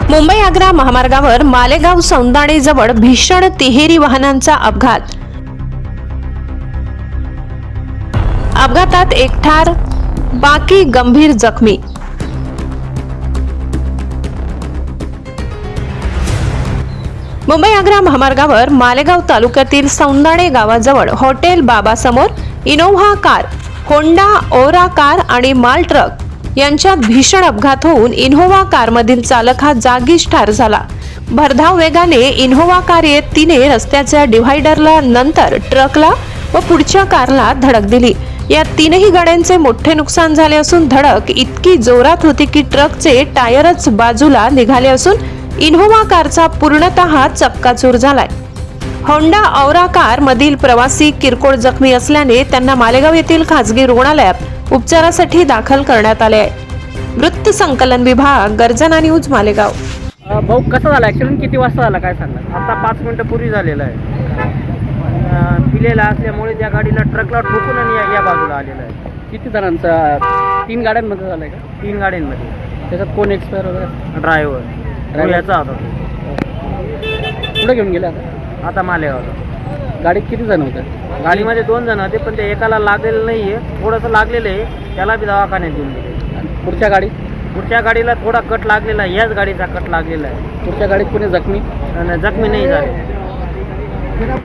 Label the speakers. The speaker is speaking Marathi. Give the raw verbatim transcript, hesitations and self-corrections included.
Speaker 1: मुंबई आग्रा महामार्गावर मालेगाव सौंदाणे जवळ भीषण तिहेरी वाहनांचा अपघात. अपघातात एक ठार, बाकी गंभीर जखमी. मुंबई आग्रा महामार्गावर मालेगाव तालुक्यातील सौंदाणे गावाजवळ हॉटेल बाबा समोर Innova car, Honda Aura car आणि माल ट्रक यांच्यात भीषण अपघात होऊन इनोव्हा कारमधील चालक हा जागीच ठार झाला. भरधाव वेगाने इनोव्हा कार येत तिने रस्त्याच्या डिव्हायडरला, नंतर ट्रकला व पुढच्या कारला धडक दिली. या तीनही गाड्यांचे मोठे नुकसान झाले असून धडक इतकी जोरात होती की ट्रकचे टायरच बाजूला निघाले असून इनोव्हा कारचा पूर्णतः चक्काचूर झालाय. होंडा औरा कार मधील प्रवासी किरकोळ जखमी असल्याने त्यांना मालेगाव येथील खासगी रुग्णालयात उपचारासाठी दाखल करण्यात आले आहे. वृत्त संकलन विभाग, गर्जना न्यूज, मालेगाव.
Speaker 2: भाऊ, कसा झाला ॲक्सिडेंट? किती वाजता झाला काय सांगा?
Speaker 3: आता पाच मिनिटं पूर्वी झालेला आहे. पिलेला असल्यामुळे त्या गाडीला ट्रकला ठोकून आणि या- या बाजूला आलेला आहे.
Speaker 2: किती जणांचा? तीन गाड्यांमध्ये झालं आहे का?
Speaker 3: तीन गाड्यांमध्ये.
Speaker 2: त्याच्यात कोण एक्सपायर वगैरे?
Speaker 3: ड्रायव्हर ड्रायव्हरचा होता तो.
Speaker 2: कुठे घेऊन गेला आता?
Speaker 3: आता मालेगावला.
Speaker 2: गाडीत किती जण होते?
Speaker 3: गाडीमध्ये दोन जण होते, पण ते एकाला लागलेलं नाही आहे, थोडंसं लागलेलं आहे, त्याला बी दवाखान्यात देऊन दिले.
Speaker 2: आणि पुढच्या गाडीत?
Speaker 3: पुढच्या गाडीला थोडा कट लागलेला आहे, याच गाडीचा कट लागलेला आहे.
Speaker 2: पुढच्या गाडीत कोणी जखमी?
Speaker 3: आणि जखमी नाही झाले.